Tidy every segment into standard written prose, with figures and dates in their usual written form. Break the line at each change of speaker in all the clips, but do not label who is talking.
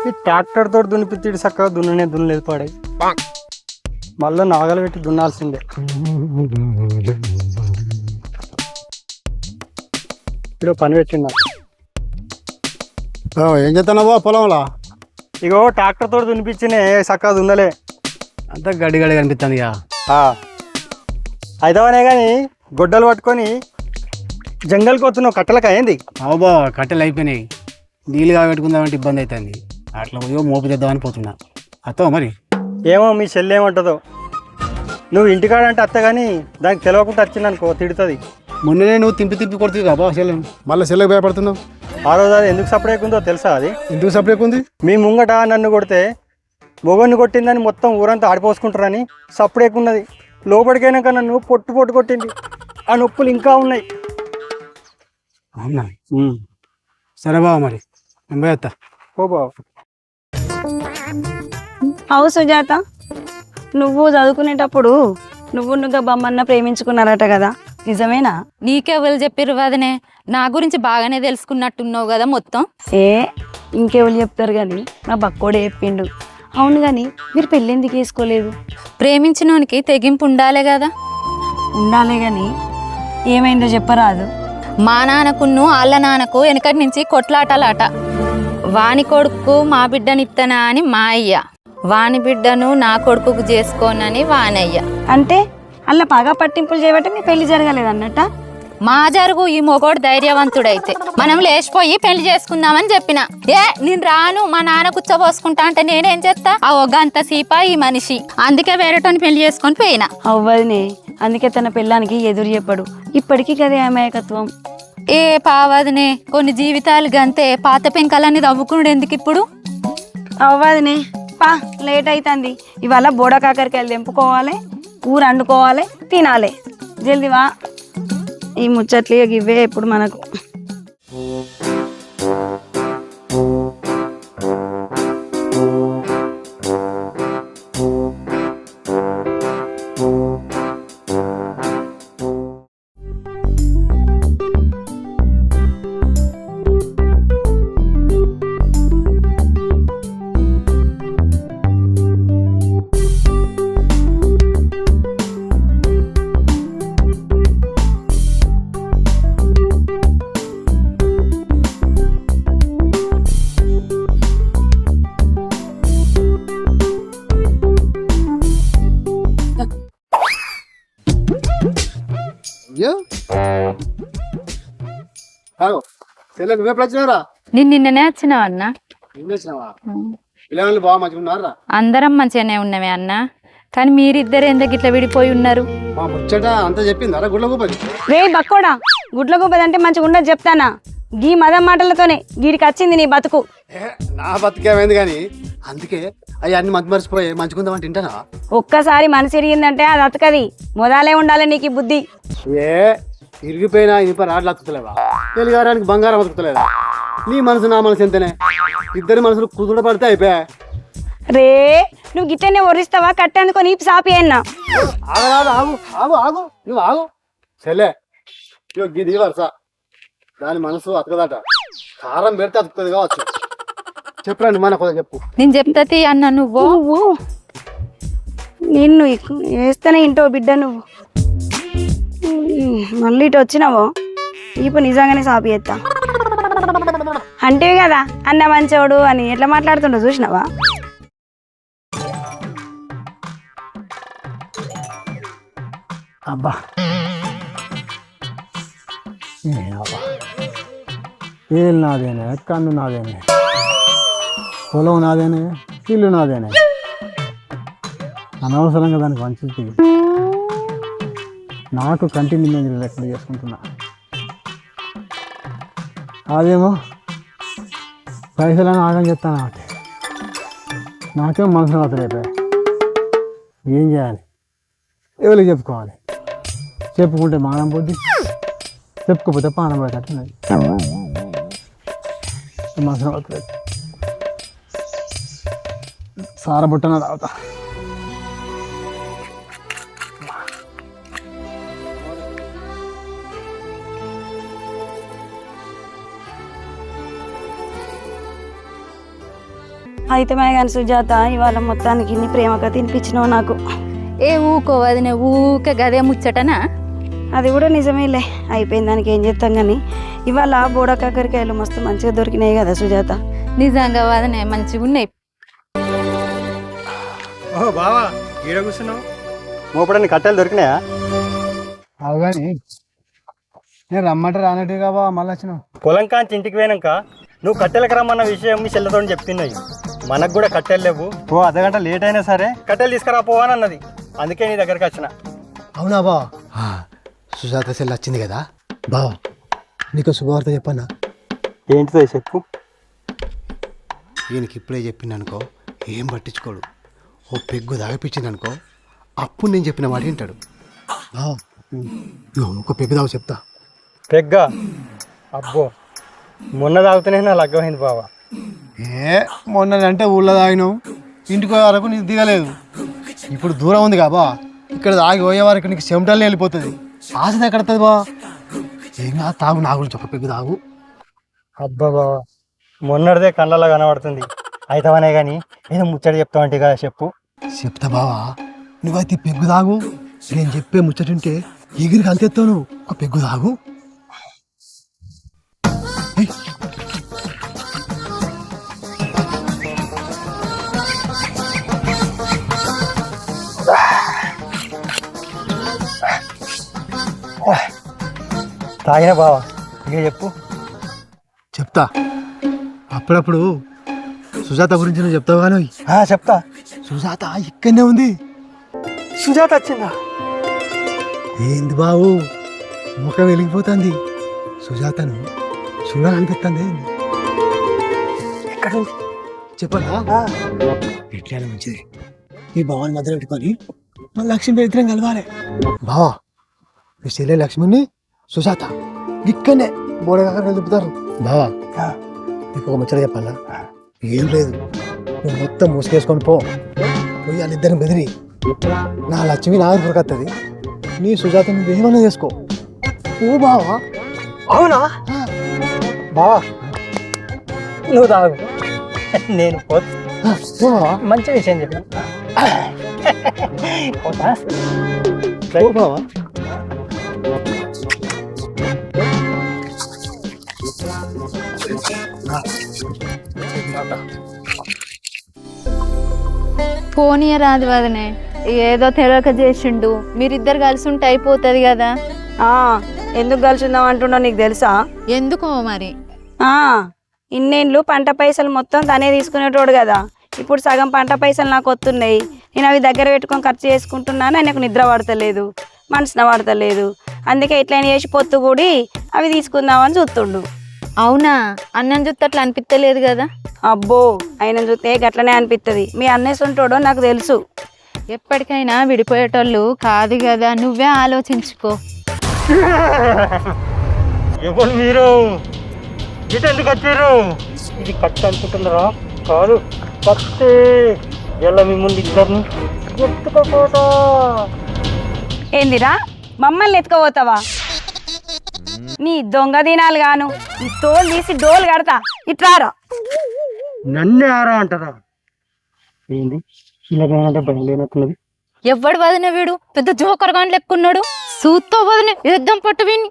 ఈ ట్రాక్టర్ తోటి దున్నిపిత్తిడి చక్కగా దున్నలేదు పాడాయి. మళ్ళీ నాగలు పెట్టి దున్నాల్సిందే. ఇప్పుడు పని పెట్టిందా?
ఏం చేస్తున్నావో పొలంలో?
ఇగో ట్రాక్టర్ తోటి దున్నిపించినే చక్కగా దున్నలే,
అంతా గడ్డి గడ్డి కనిపిస్తుంది ఇక.
అయితేనే కానీ గొడ్డలు పట్టుకొని జంగల్కి వస్తున్నావు. కట్టెలకు అయింది.
బాబా కట్టెలు అయిపోయినాయి, నీళ్ళు కాబెట్టుకుందామంటే ఇబ్బంది అవుతుంది. అట్లా పోయో మోపు చేద్దామని పోతున్నా. అత్తవా మరి?
ఏమో మీ చెల్లి ఏమంటుందో. నువ్వు ఇంటికాడంటే అత్త కానీ దానికి తెలియకుండా వచ్చిందనుకో తిడుతుంది.
మొన్ననే నువ్వు తింపి కొడుతుంది కాబా చెల్లె, మళ్ళీ చెల్లెకి భయపడుతున్నావు.
ఆ రోజు అది ఎందుకు సపరేట్ ఉందో తెలుసా? అది
ఎందుకు సపరేట్ ఉంది?
మీ ముంగట నన్ను కొడితే మొగన్ని కొట్టిందని మొత్తం ఊరంతా ఆడిపోసుకుంటారని సపరేట్ ఉన్నది. లోపలికైనాక నన్ను పొట్టు కొట్టింది. ఆ నొప్పులు ఇంకా ఉన్నాయి.
అవునా? సరే బావ మరి నేను పోయేస్తా.
ఓ బావ.
అవు సుజాత, నువ్వు చదువుకునేటప్పుడు నువ్వు బొమ్మన్న ప్రేమించుకున్నారట కదా, నిజమేనా?
నీకెవరు చెప్పిర్రు వదనే? నా గురించి బాగానే తెలుసుకున్నట్టున్నావు కదా మొత్తం.
ఇంకెవరు చెప్తారు కానీ నా బక్కోడే చెప్పిండు. అవును కానీ మీరు పెళ్ళి ఎందుకు వేసుకోలేదు?
ప్రేమించినోనికి తెగింపు ఉండాలే కదా.
ఉండాలే కానీ ఏమైందో చెప్పరాదు.
మా నాన్నకును వాళ్ళ నాన్నకు వెనకటి నుంచి కొట్లాటలాట. వాని కొడుకు మా బిడ్డనిత్తనా అని మా అయ్య, వాని బిడ్డను నా కొడుకుకు చేసుకోనని వానయ్య.
అంటే అలా పగా పట్టింపులు చేయబట్టి మీ పెళ్లి జరగలేదు అన్నట్ట?
మా జరుగు ఈ మొగోడు ధైర్యవంతుడైతే మనం లేచిపోయి పెళ్లి చేసుకుందామని చెప్పిన. నేను రాను, మా నాన్న కూర్చోబోసుకుంటా అంటే నేనేం చేస్తా? ఆ ఒగ్గంత సీపా ఈ మనిషి, అందుకే వేరేటోని పెళ్లి చేసుకొని పోయినా.
అవ్వదునే, అందుకే తన పెళ్ళానికి ఎదురు చెప్పడు. ఇప్పటికీ కదే అమాయకత్వం.
ఏ పావదనే, కొన్ని జీవితాలు గంతే. పాత పెంకలన్నీ తవ్వుకున్నాడు ఎందుకు ఇప్పుడు?
అవ్వదునే, పా లేట్ అవుతుంది. ఇవాళ బోడ కాకరకాయలు తెంపుకోవాలి, కూర వండుకోవాలి, తినాలి. జల్దీ వా. ఈ ముచ్చట్లు ఇవే ఇప్పుడు మనకు.
చెల్లె నువ్వే వచ్చినారా?
నిన్ననే వచ్చినావు అన్న.
పిల్లలు బాగా మంచిగా ఉన్నారా?
అందరం మంచిగానే ఉన్నవే అన్న, కానీ మీరిద్దరు ఎందుకు ఇట్లా విడిపోయి ఉన్నారు?
మా ముచ్చట అంతా చెప్పిందా గుడ్ల గోపది?
రే బక్కోడా, గుడ్ల గుబ్బదంటే మంచిగా ఉండదు చెప్తానా? గీ మదం మాటలతోనే గీడికి వచ్చింది నీ బతుకు.
నా బతుకేమైంది కానీ అందుకే అవి అన్ని మంచి మర్చిపోయి మంచుకుందామంటే తింటానా?
ఒక్కసారి మనసు ఇరిగిందంటే అది అతకది. మొదలే ఉండాలి నీకు ఈ బుద్ధి.
ఇరిగిపోయినా ఇనుప రాడ్లు అతుకుతలేవా? తెలుగారానికి బంగారం అతుకుతలేదా? నీ మనసు నా మనసు ఎంతనే, ఇద్దరి మనసులు కుదుట పడితే అయిపోయా.
రే నువ్వు గిట్టనే ఒరిస్తావా? కట్టేందుకో నీ సాపి అన్నా.
ఆగరాదు, ఆగు ఆగు ఆగు, నువ్వు ఆగు. చెల్లె గిది వరుస, దాని మనసు అతకదట. కారం పెడితే అతుకుతుంది కావచ్చు. చెప్పరండి మన కొద్దిగా చెప్పు.
నేను చెప్తా అన్న. నువ్వు
నిన్ను వేస్తేనే ఇంటో బిడ్డ, నువ్వు మళ్ళీ ఇటు వచ్చినావో ఇప్పుడు నిజంగానే సాపి ఎత్తా అంటేవి కదా అన్న మంచోడు అని. ఎట్లా మాట్లాడుతుండో చూసినావా?
అబ్బా ఏళ్ళు నాదేనే, కన్ను నాదేనే, పొలం నాదేనే, ఇల్లు నాదేనే. అనవసరంగా దానికి మంచి నాకు కంటి నింద లెక్కలు చేసుకుంటున్నా. అదేమో పైసలని ఆగం చెప్తాను కాబట్టి నాకేం మనసు అవుతాయి. ఏం చేయాలి? ఎవరికి చెప్పుకోవాలి? చెప్పుకుంటే మానం పోద్ది, చెప్పుకోపోతే పానం పోయేటట్టున్నది. మనసు అవుతుంది. సారబుట్టన తాగుతా.
అయితే కానీ సుజాత ఇవాళ మొత్తానికి ఇన్ని ప్రేమగా తినిపించినావు నాకు.
ఏ ఊకో వదిన ఊకే గదే ముచ్చటనా?
అది కూడా నిజమేలే, అయిపోయింది దానికి ఏం చేస్తాం కానీ ఇవాళ బోడ కాకరకాయలు మస్తు మంచిగా దొరికినాయి కదా సుజాత.
నిజంగా వదిన మంచిగా ఉన్నాయి.
ఓ బావా ఈడ కూర్చున్నావు, మోపడానికి కట్టెలు దొరికినాయా?
అవు కానీ నేను రమ్మంటే రానట్టుగా బావ మళ్ళీ వచ్చినావు.
పొలం కాంచి ఇంటికి పోయినాక నువ్వు కట్టెలకు రమ్మన్న విషయం మీ చెల్లెతో చెప్తున్నాయి. మనకు కూడా కట్టెలు లేవు, ఓ అర్ధగంట లేట్ అయినా సరే కట్టెలు తీసుకురా పోవని అన్నది. అందుకే నీ దగ్గరికి వచ్చిన.
అవునా బావ? సుజాత సెల్ వచ్చింది కదా బావ, నీకు శుభవార్త చెప్పన్నా.
ఏంటిదో చెప్పు.
ఈయనకి ఇప్పుడే చెప్పింది అనుకో ఏం పట్టించుకోడు. ఓ పెగ్గు తాగిపించింది అనుకో అప్పుడు నేను చెప్పిన మాట వింటాడు. ఒక పెగ్గు తాగు చెప్తా.
పెగ్గా? అబ్బో మొన్న తాగుతూనే నా లగ్గమైంది బావా.
మొన్నంటే ఊళ్ళో తాగినావు, ఇంటికి పోయే వరకు నీకు దిగలేదు. ఇప్పుడు దూరం ఉంది కాబా, ఇక్కడ తాగి పోయే వరకు నీకు చెమటల్ని వెళ్ళిపోతుంది. ఆశ ఎక్కడుతుంది బా? ఏం కాదు తాగు, నా గురించి ఒక పెగ్గు తాగు.
అబ్బా బావా మొన్నటిదే కళ్ళలో కనబడుతుంది. అయితవనే కానీ ఏదో ముచ్చట చెప్తావంటే కదా చెప్పు.
చెప్తా బావా, నువ్వైతే పెగ్గు తాగు. నేను చెప్పే ముచ్చటుంటే ఎగిరికి అంతెత్తావు నువ్వు. ఒక పెగ్గు తాగు.
తాగిన బావా, ఇక చెప్పు.
చెప్తా. అప్పుడప్పుడు సుజాత గురించి నువ్వు చెప్తావు కానీ
చెప్తా.
సుజాత ఇక్కడనే ఉంది.
సుజాత వచ్చిందా?
ఏంది బావు ముఖం వెలిగిపోతుంది. సుజాతను చూడాలనిపిస్తుంది.
ఎక్కడ ఉంది
చెప్పనా? ఎట్లా మంచిది, ఈ భావాన్ని మధ్యలో పెట్టుకొని మన లక్ష్మి ఇద్దరం కలవాలి. బావా మీ చెల్లె లక్ష్మిని సుజాత ఇక్కడనే బోడగా కలుపుతారు. బావా నీకు ఒక ముచ్చట చెప్పాలా? ఏం లేదు, నువ్వు మొత్తం మూసుకేసుకొని పోయి వాళ్ళిద్దరిని బెదిరి నా లక్ష్మి నా దొరకత్తది. నీ సుజాత నువ్వు ఏమన్నా చేసుకో. ఓ బావా.
అవునా బావా? నువ్వు తాగు, నేను పోతా. మంచి విషయం చెప్పాను. పోతా.
ఓ బావా.
పోనీయ రాదు వదినే, ఏదో తెలియక చేసిండు. మీరిద్దరు కలిసి ఉంటే అయిపోతుంది కదా.
ఎందుకు కలిసిందాం అంటున్నావు నీకు తెలుసా?
ఎందుకో మరి.
ఇన్నేళ్ళు పంట పైసలు మొత్తం తనే తీసుకునేటోడు కదా. ఇప్పుడు సగం పంట పైసలు నాకు వస్తున్నాయి. నేను అవి దగ్గర పెట్టుకొని ఖర్చు చేసుకుంటున్నాను. ఆయనకు నిద్ర పడతలేదు, మనసున పడతలేదు. అందుకే ఎట్లయినా చేసి పొత్తు కూడి అవి తీసుకుందామని చూస్తుండు.
అవునా? అన్నం చూస్తే అట్లా అనిపించలేదు కదా?
అబ్బో ఆయన చూస్తే గట్లనే అనిపిస్తుంది. మీ అన్నయ్య ఉంటాడో నాకు తెలుసు.
ఎప్పటికైనా విడిపోయేటోళ్ళు కాదు కదా, నువ్వే ఆలోచించుకో.
ఎవరు మీరు? ఇటు ఎందుకు వచ్చారు? ఇది కత్తి అనుకుంటున్నారా? కాదు కత్తి. ఎలా మీ ముందు ఇద్దరిని ఎత్తుకోపోతా.
ఏందిరా మమ్మల్ని ఎత్తుకోపోతావా? నీ దొంగ దినాలు గాను ఈ తోలు తీసి డోలు కడతా. ఇట్రారా.
నన్నే ఆరా అంటారా? ఏంది ఇలాగంటే భయం లేనట్టున్నది.
ఎవడు వదిన వీడు పెద్ద జోకర్ గాని లెక్కున్నాడు. సూత్తో వదిన యుద్ధం పట్టు విని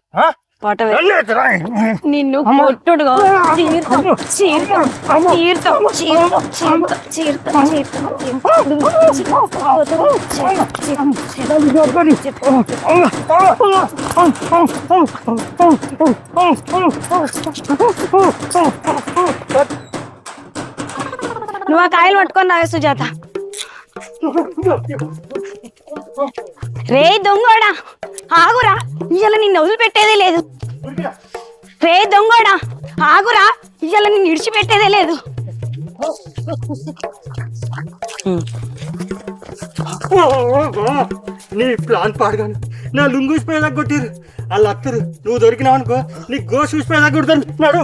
నిన్ను కొట్టుడుగా నువ్వు ఆ కాయలు పట్టుకొని రావే సుజాత. రే దొంగోడా ఆగురా, ఇవాళ నిన్ను వదిలిపెట్టేదే లేదు. రే దొంగోడా ఆగురా, ఇవాళ నిన్ను విడిచిపెట్టేదే లేదు.
నీ ప్లాన్ పాడగాను నా లుంగు చూసిపోయేదాకా కొట్టిరు. వాళ్ళు అత్తరు, నువ్వు దొరికినావు అనుకో నీ గోష్ చూసిపోయేదాకా కొడుతున్నాడు.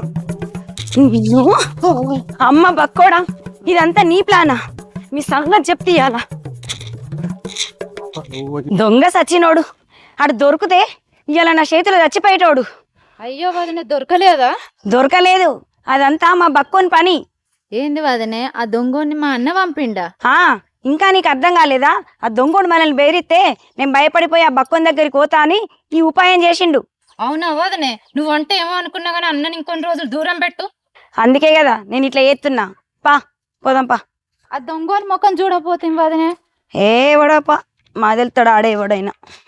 అమ్మ బక్కోడా, ఇదంతా నీ ప్లానా? మీ సంగతి చెప్తే ఇయ్యాల. దొంగ సచ్చినోడు ఆడు దొరికితే ఇవాళ నా చేతిలో చచ్చిపోయేటోడు.
అయ్యో వదిన దొరకలేదా?
దొరకలేదు, అదంతా మా బక్కోని పని.
ఏంది వదనే ఆ దొంగని మా అన్న పంపిండా?
ఆ, ఇంకా నీకు అర్థం కాలేదా? ఆ దొంగోడు మనల్ని బెదిరిస్తే నేను భయపడిపోయి ఆ బక్కోని దగ్గరికి పోతా అని ఈ ఉపాయం చేసిండు.
అవునా వదనే, నువ్వంటే ఏమో అనుకున్నా కానీ అన్నని ఇంకొన్ని రోజులు దూరం పెట్టు.
అందుకే కదా నేను ఇట్లా చేస్తున్నా. పా పోదాంపా.
ఆ దొంగని ముఖం చూడపోతుంది వదనే.
ఏ ఎవడోపా మా తెలుతాడు ఆడే ఎవడైనా.